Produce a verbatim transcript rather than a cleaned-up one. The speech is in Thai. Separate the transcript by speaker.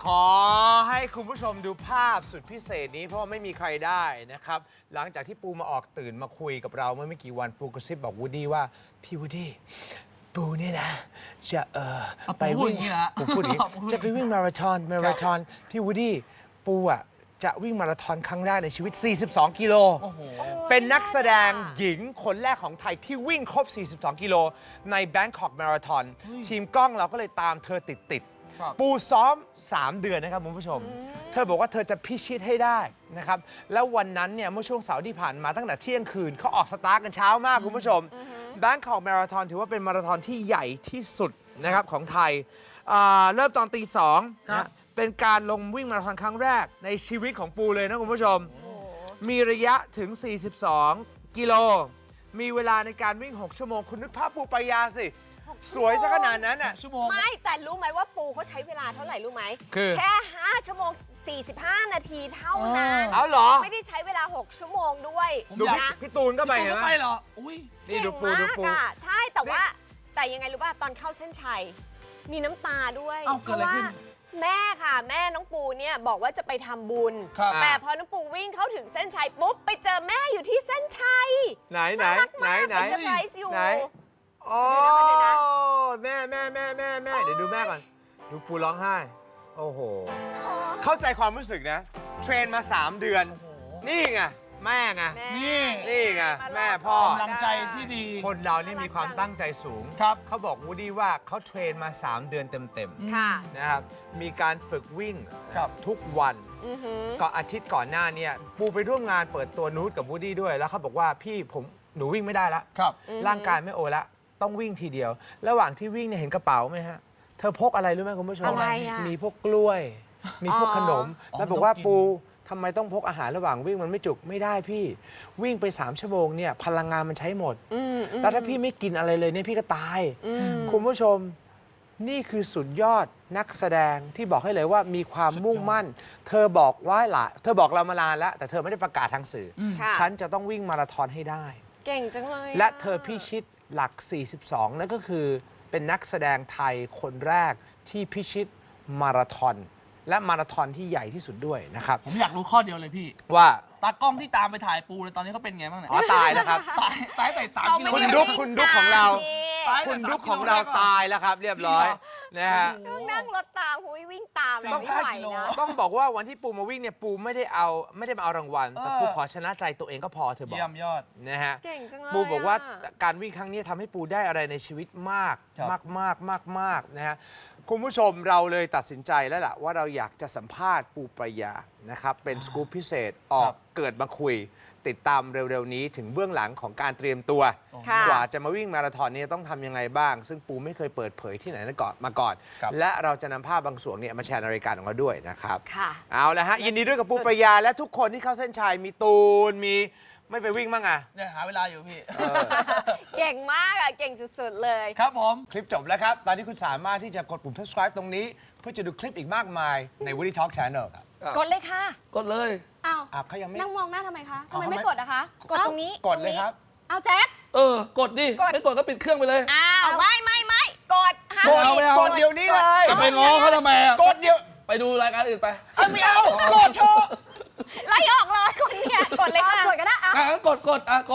Speaker 1: ขอให้คุณผู้ชมดูภาพสุดพิเศษนี้เพราะว่าไม่มีใครได้นะครับหลังจากที่ปูมาออกตื่นมาคุยกับเราเมื่อไม่กี่วันปูกระซิบบอกวูดดี้ว่าพี่วูดดี้ปูเนี่ยนะจะเออไปวิ่งปูพูดอย่างนี้จะไปวิ่งมาราธอนมาราธอนพี่วูดดี้ปูอ่ะจะวิ่งมาราธอนครั้งแรกในชีวิตสี่สิบสองกิโลเป็นนักแสดงหญิงคนแรกของไทยที่วิ่งครบสี่สิบสองกิโลใน Bangkok Marathon ทีมกล้องเราก็เลยตามเธอติดๆปูซ้อมสามเดือนนะครับคุณผู้ชมเธอบอกว่าเธอจะพิชิตให้ได้นะครับแล้ววันนั้นเนี่ยเมื่อช่วงเสาร์ที่ผ่านมาตั้งแต่เที่ยงคืนเขาออกสตาร์ทกันเช้ามากคุณผู้ชม Bangkok Marathon ถือว่าเป็นมาราธอนที่ใหญ่ที่สุดนะครับของไทยเริ่มตอนตีสองนะเป็นการลงวิ่งมาราธอนครั้งแรกในชีวิตของปูเลยนะคุณผู้ชมมีระยะถึงสี่สิบสองกิโลมีเวลาในการวิ่งหกชั่วโมงคุณนึกภาพปูปายาสิสวยซะขนาดนั้นอ่ะ
Speaker 2: ชั่วโมงไม่แต่รู้ไหมว่าปูเขาใช้เวลาเท่าไหร่รู้ไหม
Speaker 1: คือ
Speaker 2: แค่ห้าชั่วโมงสี่สิบห้านาทีเท่านั้น
Speaker 1: เอาเหรอ
Speaker 2: ไม่ได้ใช้เวลาหกชั่วโมงด้วย
Speaker 1: ดูพี่ตูนก็ไปเหรอ
Speaker 3: ไปเหรออุ้ย
Speaker 1: นี่ดูปูดูปู
Speaker 2: ใช่แต่ว่าแต่ยังไงรู้ป่ะตอนเข้าเส้นชัยมีน้ำตาด้วยเพราะว่าแม่ค่ะแม่น้องปูเนี่ยบอกว่าจะไปทำบุญแต่พอน้องปูวิ่งเข้าถึงเส้นชัยปุ๊บไปเจอแม่อยู่ที่เส้นชัย
Speaker 1: ไหนไหนไหนไหน
Speaker 2: เซอร์ไพรส์อยู่
Speaker 1: โอ้แม่แม่แม่แม่แม่เดี๋ยวดูแม่ก่อนดูปูร้องไห้โอ้โหเข้าใจความรู้สึกนะเทรนมาสามเดือนนี่ไงแม่ไง
Speaker 3: นี่
Speaker 1: นี่ไงแม่พ่อก
Speaker 3: ำลังใจที่ดี
Speaker 1: คนเรานี่มีความตั้งใจสูง
Speaker 3: ครับ
Speaker 1: เขาบอกวูดดี้ว่าเขาเทรนมาสามเดือนเต็มๆนะครับมีการฝึกวิ่งทุกวันก็อาทิตย์ก่อนหน้านี้ปูไปร่วมงานเปิดตัวนูตกับวูดดี้ด้วยแล้วเขาบอกว่าพี่ผมหนูวิ่งไม่ได้ละร่างกายไม่โอละต้องวิ่งทีเดียวระหว่างที่วิ่งเนี่ยเห็นกระเป๋าไหมฮะเธอพกอะไรรู้ไหมคุณผู้ชมมีพวกกล้วยมีพวกขนมแล้วบอกว่าปูทำไมต้องพกอาหารระหว่างวิ่งมันไม่จุกไม่ได้พี่วิ่งไปสามชั่วโมงเนี่ยพลังงานมันใช้หมดแล้วถ้าพี่ไม่กินอะไรเลยเนี่ยพี่ก็ตายคุณผู้ชมนี่คือสุดยอดนักแสดงที่บอกให้เลยว่ามีความมุ่งมั่นเธอบอกว่าหละเธอบอกเรามานานแล้วแต่เธอไม่ได้ประกาศทางสื่อฉันจะต้องวิ่งมาราธอนให้ได้
Speaker 2: เก่งจังเลย
Speaker 1: และเธอพิชิตหลักสี่สิบสองนั่นก็คือเป็นนักแสดงไทยคนแรกที่พิชิตมาราธอนและมาราธอนที่ใหญ่ที่สุดด้วยนะครับ
Speaker 3: ผมอยากรู้ข้อเดียวเลยพี่
Speaker 1: ว่า
Speaker 3: ตากล้องที่ตามไปถ่ายปูเลยตอนนี้เขาเป็นไงบ้างเนี่ย
Speaker 1: อ๋อตายแล้วครับ
Speaker 3: ตายตายแต่สามกิโล
Speaker 1: คุณดุ๊กคุณดุ๊กของเราคุณดุ๊กของเราตายแล้วครับเรียบร้อยนะฮะ
Speaker 2: ต้องนั่งรถตามคุยวิ่งตามไม่ไหวนะ
Speaker 1: ต้องบอกว่าวันที่ปูมาวิ่งเนี่ยปูไม่ได้เอาไม่ได้มาเอารางวัลแต่ปูขอชนะใจตัวเองก็พอเธอบอก
Speaker 3: เยี่ยมยอด
Speaker 1: นะฮะ
Speaker 2: เก่งจังเลย
Speaker 1: ปูบอกว่าการวิ่งครั้งนี้ทำให้ปูได้อะไรในชีวิตมากมากมากมากมากนะฮะคุณผู้ชมเราเลยตัดสินใจแล้วล่ะว่าเราอยากจะสัมภาษณ์ปูปรายานะครับเป็นสกู๊ปพิเศษออกเกิดมาคุยติดตามเร็วๆนี้ถึงเบื้องหลังของการเตรียมตัวกว่าจะมาวิ่งมาราธอนนี้ต้องทำยังไงบ้างซึ่งปูไม่เคยเปิดเผยที่ไหนมาก่อนและเราจะนำภาพบางส่วนเนี่ยมาแชร์ในรายการของเราด้วยนะครับเอาละฮะยินดีด้วยกับปูปรายาและทุกคนที่เข้าเส้นชัยมีตูนมีไม่ไปวิ่งบ้างอ่ะ
Speaker 3: เนี่ยหาเวลาอยู่พี่
Speaker 2: เก่งมากอ่ะเก่งสุดๆเลย
Speaker 3: ครับผม
Speaker 1: คลิปจบแล้วครับตอนนี้คุณสามารถที่จะกดปุ่ม subscribe ตรงนี้เพื่อจะดูคลิปอีกมากมายใน Woody Talk Channel ครับ
Speaker 2: กดเลยค่ะ
Speaker 3: กดเลย
Speaker 2: อ้าว
Speaker 1: เขายังไม่
Speaker 2: นั่งมองหน้าทำไมคะทำไมไม่กดอะคะกดตรงนี้
Speaker 1: กดเลยครับ
Speaker 2: เอาแจ็ค
Speaker 3: เออกดดิไม่กดก็ปิดเครื่องไปเลย
Speaker 2: อ้าวไม่ไม่ไม่กด
Speaker 1: กดกดเดี๋ยวนี้เลย
Speaker 3: จะไปง้อเขาทำไม
Speaker 1: กดเดี๋ยว
Speaker 3: ไปดูรายการอื่นไป
Speaker 1: ไม่เอากดเถอะ
Speaker 2: ไล่ออกเลยกดเนี่ยกดเลยค่ะกดก็ได้
Speaker 3: อ่ะกดกดอ่ะกด